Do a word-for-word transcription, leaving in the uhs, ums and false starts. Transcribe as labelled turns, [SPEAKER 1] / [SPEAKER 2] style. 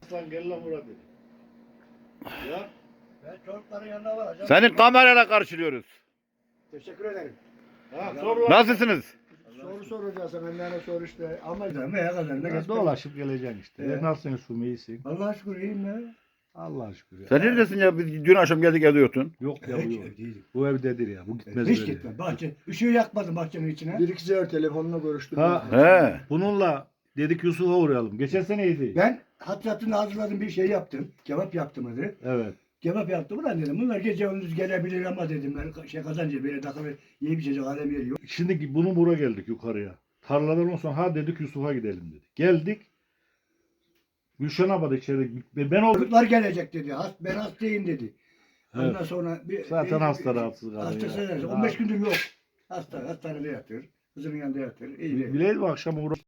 [SPEAKER 1] Aslan gel lan buraya dedi. Ya.
[SPEAKER 2] Ben çocukların yanına varacağım.
[SPEAKER 3] Seni kamerayla karşılıyoruz.
[SPEAKER 2] Teşekkür ederim.
[SPEAKER 1] Ha sor lan.
[SPEAKER 3] Nasılsınız?
[SPEAKER 2] Soru soracağız benden sor işte. Ama veya kadarına
[SPEAKER 4] Ya
[SPEAKER 2] geç.
[SPEAKER 4] dolaşıp geleceksin işte.
[SPEAKER 2] Evet.
[SPEAKER 4] Nasılsın Yusuf'um, iyisin?
[SPEAKER 2] Allah'a şükür iyiyim ya.
[SPEAKER 4] Allah'a şükür ya.
[SPEAKER 3] Sen neredesin ya? Biz dün akşam geldik evde yoktun.
[SPEAKER 4] Yok ya bu
[SPEAKER 2] Hiç
[SPEAKER 4] yok.
[SPEAKER 2] ev değilim.
[SPEAKER 4] Bu evdedir ya. Bu gitmez
[SPEAKER 2] Hiç
[SPEAKER 4] böyle.
[SPEAKER 2] gitme. Bahçe, ışığı yakmadım bahçenin içine.
[SPEAKER 5] Bir iki sefer telefonla görüştüm.
[SPEAKER 4] Ha.
[SPEAKER 3] He.
[SPEAKER 4] Bununla dedik Yusuf'a uğrayalım. Geçen seneydi.
[SPEAKER 2] Ben hatratını hazırladım bir şey yaptım. Kebap yaptım hadi.
[SPEAKER 4] Evet.
[SPEAKER 2] Kebap yaptım ulan dedim. Bunlar gece gündüz gelebilir ama dedim. Ben şey kazanca böyle takılı yiyip içecek alem yeri yok.
[SPEAKER 4] Şimdi bunu buraya geldik yukarıya. Tarladan sonra ha dedik Yusuf'a gidelim dedik. Geldik. Gülşen abla da içeride. Ben oldum.
[SPEAKER 2] Çocuklar gelecek dedi. Hast, ben hastayım dedi. Ondan
[SPEAKER 4] Evet.
[SPEAKER 2] sonra bir,
[SPEAKER 4] Zaten
[SPEAKER 2] bir-
[SPEAKER 4] hasta rahatsız kalıyor.
[SPEAKER 2] Hastası
[SPEAKER 4] ya.
[SPEAKER 2] on beş gündür yok. Hasta, hastanede yatıyor. Kızının yanında yatıyor. İyi.
[SPEAKER 4] Bileydim akşam uğra.